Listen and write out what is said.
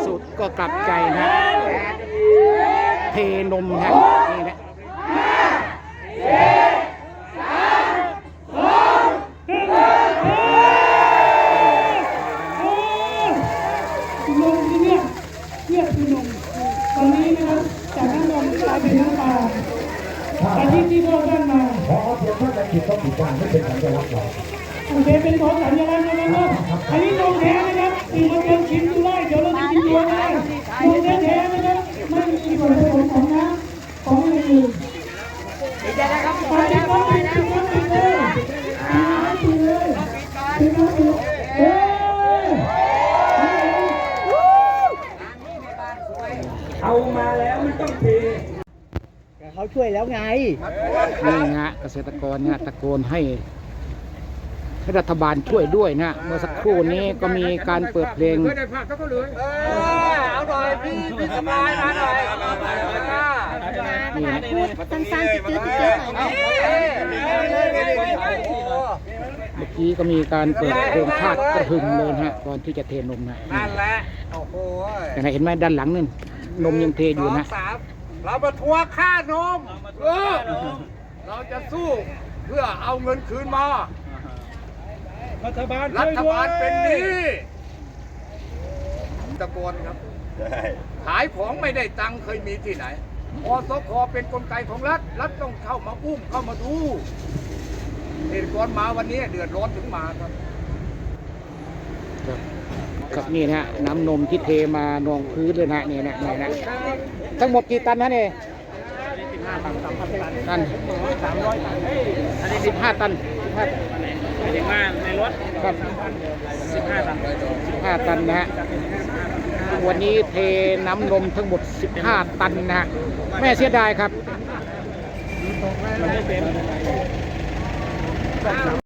สุดก็กลับใจนะเทนมนะนี่นะนมที่เนี่ยคือนมตอนนี้นะครับจากน้ำนมกลายเป็นน้ำปลาอันนี้ที่พ่อท่านมาพอเพียงเท่านั้นผิดต้องผิดการไม่เป็นสัญลักษณ์หรอกโอเคเป็นของสัญลักษณ์นะครับอันนี้นมแท้นะครับสี่มาเกินชิมดูได้เดี๋ยวเราจะกินตัวได้นมแท้ๆนะครับไม่มีส่วนผสมของน้ำของอะไรอื่นปิดเลยเอามาแล้วมันต้องเทเขาช่วยแล้วไงนี่ฮะเกษตรกรเนี่ยตะโกนให้รัฐบาลช่วยด้วยนะเมื่อสักครู่นี้ก็มีการเปิดเพลงเอาหน่อยพี่สบายมาหน่อยนี่นะพูดสั้นๆจืดๆหน่อยนะเมื่อกี้ก็มีการเปิดเพลงชาติกระหึ่มเลยนะฮะก่อนที่จะเทนมนะนั่นแหละโอ้โหแต่เห็นไหมด้านหลังนั่นนมยังเทอยู่นะเรามาทวงค่านมเราจะสู้เพื่อเอาเงินคืนมารัฐบาลเป็นหนี้ตะโกนครับขายของไม่ได้ตังค์เคยมีที่ไหนอสค.เป็นกลไกของรัฐต้องเข้ามาอุ้มเข้ามาดูเหตุการณ์มาวันนี้เดือดร้อนถึงมาครับครับนี่นะฮะน้ำนมที่เทมานองพื้นเลยนะนี่นะนี่นะทั้งหมดกี่ตันนะเนี่ยตัน15 ตัน15 ถึงมาในรถครับ 15 ตัน 15 ตันนะฮะวันนี้เทน้ำนมทั้งหมด15 ตันนะฮะแม่เสียดายครับ